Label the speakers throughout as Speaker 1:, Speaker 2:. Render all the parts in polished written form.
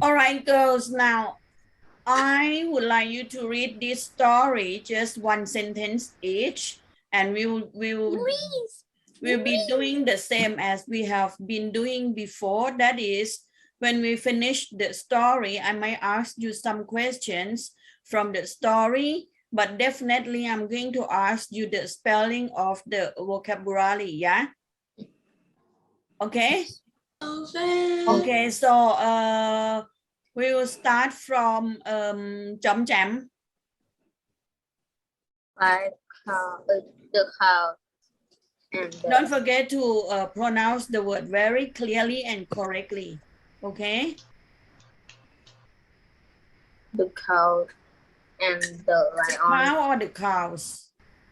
Speaker 1: All right, girls. Now, I would like you to read this story, just one sentence each, and we'll be doing the same as we have been doing before. That is, when we finish the story, I might ask you some questions from the story, but definitely I'm going to ask you the spelling of the vocabulary, yeah? Okay? Okay, so we will start from chấm chấm.
Speaker 2: Five cow, the cow and
Speaker 1: Don't forget to pronounce the word very clearly and correctly. Okay?
Speaker 2: the cow and the lion
Speaker 1: Cow or the cows?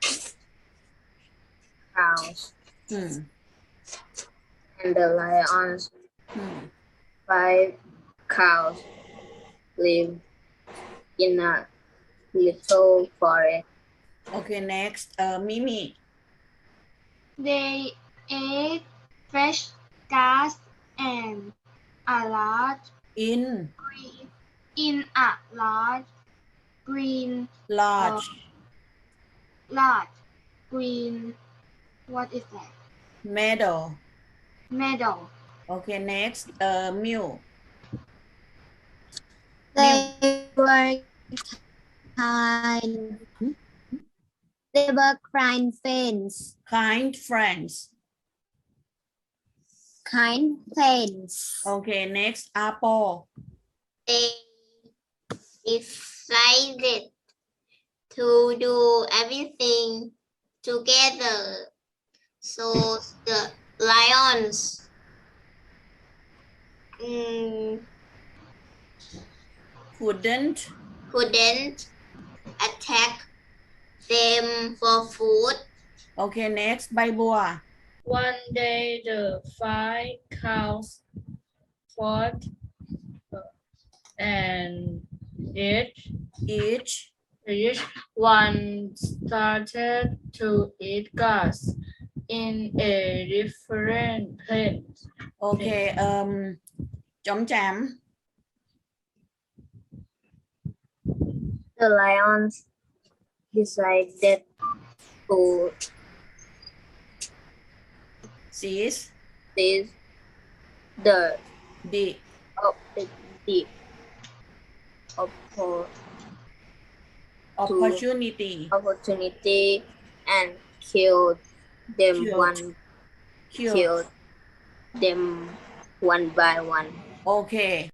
Speaker 2: cows
Speaker 1: Hmm.
Speaker 2: and the lions.
Speaker 1: Hmm.
Speaker 2: 5 cows live in a little forest.
Speaker 1: Okay, next, Mimi.
Speaker 3: They ate fresh grass and a large
Speaker 1: In
Speaker 3: green in a large green
Speaker 1: large
Speaker 3: large green what is that
Speaker 1: meadow.
Speaker 3: meadow.
Speaker 1: Okay, next, mule.
Speaker 4: They were kind. They were kind friends.
Speaker 1: Kind friends.
Speaker 4: Kind friends.
Speaker 1: Okay, next, apple.
Speaker 4: They decided to do everything together. So the lions
Speaker 1: Couldn't.
Speaker 4: couldn't attack them for food.
Speaker 1: Okay, next, by boa.
Speaker 5: One day the 5 cows fought and each one started to eat grass in a different place.
Speaker 1: Okay, chấm chấm.
Speaker 2: The lions decided to
Speaker 1: Seize
Speaker 2: seize the
Speaker 1: the opportunity.
Speaker 2: opportunity and killed them
Speaker 1: Killed.
Speaker 2: one by one.
Speaker 1: Okay.